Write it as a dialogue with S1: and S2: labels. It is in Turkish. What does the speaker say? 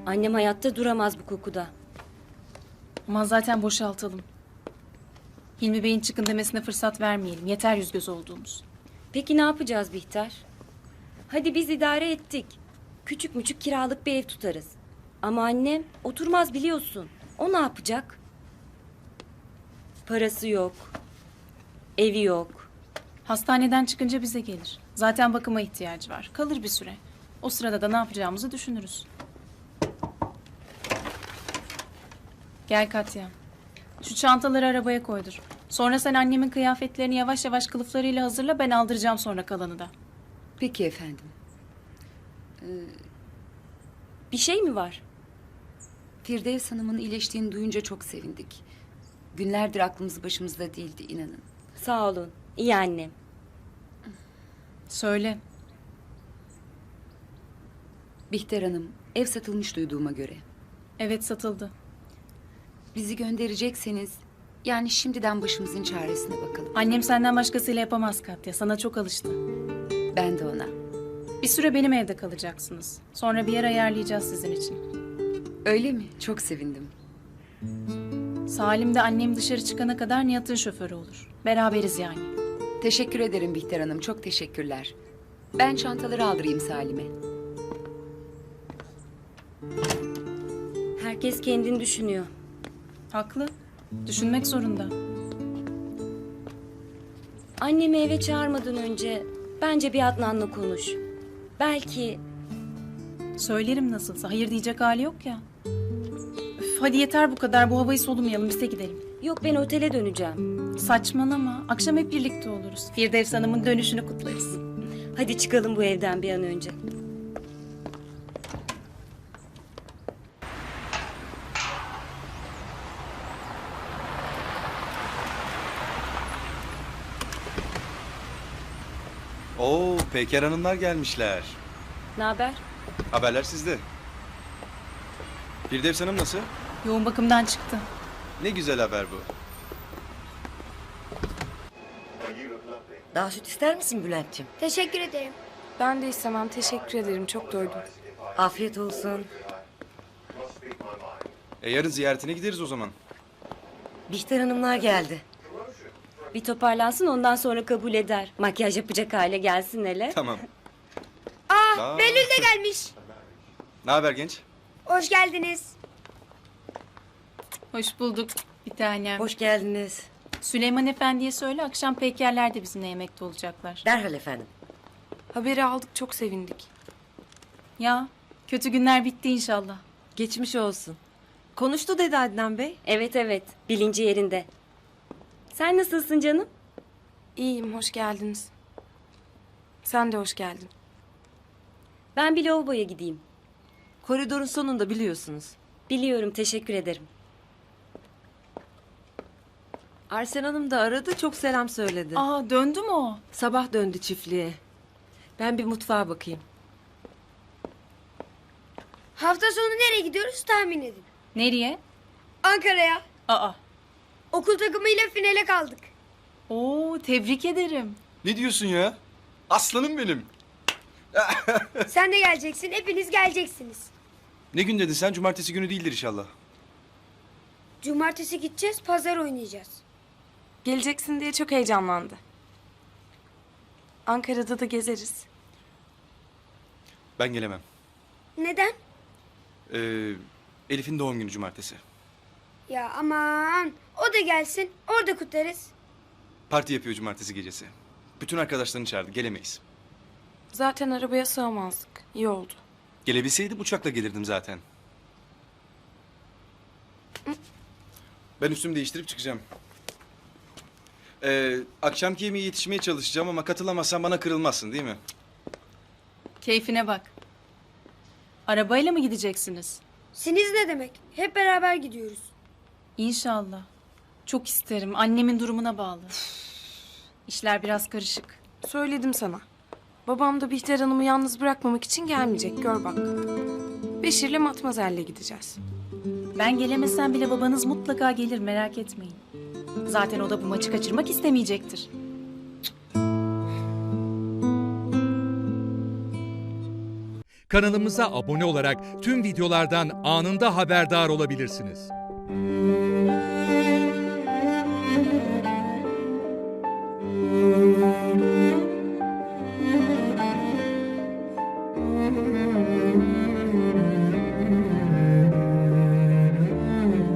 S1: Annem hayatta duramaz bu kokuda.
S2: Aman zaten boşaltalım. Hilmi Bey'in çıkın demesine fırsat vermeyelim. Yeter yüz göz olduğumuz.
S1: Peki ne yapacağız Bihter? Hadi biz idare ettik. Küçük müçük kiralık bir ev tutarız. Ama annem oturmaz biliyorsun. O ne yapacak? Parası yok. Evi yok.
S2: Hastaneden çıkınca bize gelir. Zaten bakıma ihtiyacı var. Kalır bir süre. O sırada da ne yapacağımızı düşünürüz. Gel Katya. Şu çantaları arabaya koydur. Sonra sen annemin kıyafetlerini yavaş yavaş kılıflarıyla hazırla. Ben aldıracağım sonra kalanı da.
S3: Peki efendim.
S1: Bir şey mi var?
S3: Firdevs Hanım'ın iyileştiğini duyunca çok sevindik. Günlerdir aklımız başımızda değildi, inanın.
S1: Sağ olun. İyi annem.
S2: Söyle.
S3: Bihter Hanım, ev satılmış duyduğuma göre.
S2: Evet, satıldı.
S3: Bizi gönderecekseniz, yani şimdiden başımızın çaresine bakalım.
S2: Annem senden başkasıyla yapamaz Katya. Sana çok alıştı.
S3: Ben de ona.
S2: Bir süre benim evde kalacaksınız. Sonra bir yer ayarlayacağız sizin için.
S3: Öyle mi? Çok sevindim.
S2: Salim de annem dışarı çıkana kadar Nihat'ın şoförü olur. Beraberiz yani.
S3: Teşekkür ederim Bihter Hanım, çok teşekkürler. Ben çantaları aldırayım Salim'e.
S1: Herkes kendini düşünüyor.
S2: Haklı. Düşünmek zorunda.
S1: Annemi eve çağırmadan önce bence bir Adnan'la konuş. Belki
S2: Söylerim nasılsa. Hayır diyecek hali yok ya. Üf, hadi yeter bu kadar. Bu havayı solumayalım. Biz de gidelim.
S1: yok ben otele döneceğim.
S2: Saçmalama. Akşam hep birlikte oluruz. Firdevs Hanım'ın dönüşünü kutlarız.
S1: Hadi çıkalım bu evden bir an önce.
S4: Oo, Peker Hanımlar gelmişler.
S1: Ne haber?
S4: Haberler sizde. Firdevs Hanım nasıl?
S2: Yoğun bakımdan çıktı.
S4: Ne güzel haber bu.
S5: Daha süt ister misin Bülent'ciğim?
S6: Teşekkür ederim.
S7: Ben de istemem. Teşekkür ederim. Çok doydum.
S5: Afiyet olsun.
S4: Yarın ziyaretine gideriz o zaman.
S5: Bihter Hanımlar geldi.
S1: Bir toparlansın ondan sonra kabul eder. Makyaj yapacak hale gelsin hele.
S4: Tamam.
S6: Aa, Behlül de gelmiş.
S4: Ne haber genç?
S6: Hoş geldiniz.
S2: Hoş bulduk bir tanem.
S5: Hoş geldiniz.
S2: Süleyman Efendi'ye söyle akşam Pekerler de bizimle yemekte olacaklar.
S5: Derhal efendim.
S7: Haberi aldık. Çok sevindik.
S2: Ya kötü günler bitti inşallah.
S8: Geçmiş olsun. Konuştu dedi Adnan Bey.
S1: Evet bilinci yerinde. Sen nasılsın canım?
S7: İyiyim. Hoş geldiniz. Sen de hoş geldin.
S1: Ben bir lavaboya gideyim.
S8: Koridorun sonunda biliyorsunuz.
S1: Biliyorum teşekkür ederim.
S8: Arsen Hanım da aradı, çok selam söyledi.
S2: Aa döndü mü o?
S8: Sabah döndü çiftliğe. Ben bir mutfağa bakayım.
S6: Hafta sonu nereye gidiyoruz tahmin edin.
S2: Nereye?
S6: Ankara'ya.
S2: Aa.
S6: Okul takımıyla finale kaldık.
S2: Oo tebrik ederim.
S4: Ne diyorsun ya? Aslanım benim.
S6: Sen de geleceksin. Hepiniz geleceksiniz.
S4: Ne gün dedin sen? Cumartesi günü değildir inşallah.
S6: Cumartesi gideceğiz. Pazar oynayacağız.
S7: Geleceksin diye çok heyecanlandı. Ankara'da da gezeriz.
S4: Ben gelemem.
S6: Neden?
S4: Elif'in doğum günü cumartesi.
S6: Ya aman. O da gelsin. Orada kutlarız.
S4: Parti yapıyor cumartesi gecesi. Bütün arkadaşlarını çağırdı. Gelemeyiz.
S7: Zaten arabaya sığamazdık. İyi oldu.
S4: Gelebilseydim uçakla gelirdim zaten. Ben üstümü değiştirip çıkacağım. Akşamki yemeğe yetişmeye çalışacağım ama katılamazsan bana kırılmazsın değil mi?
S2: Keyfine bak. Arabayla mı gideceksiniz?
S6: Siniz ne demek? Hep beraber gidiyoruz.
S2: İnşallah. Çok isterim. Annemin durumuna bağlı. İşler biraz karışık.
S7: Söyledim sana. Babam da Bihter Hanım'ı yalnız bırakmamak için gelmeyecek. Gör bak. Beşir'le Matmazel'le gideceğiz.
S2: Ben gelemesem bile babanız mutlaka gelir merak etmeyin. Zaten o da bu maçı kaçırmak istemeyecektir.
S9: Kanalımıza abone olarak tüm videolardan anında haberdar olabilirsiniz.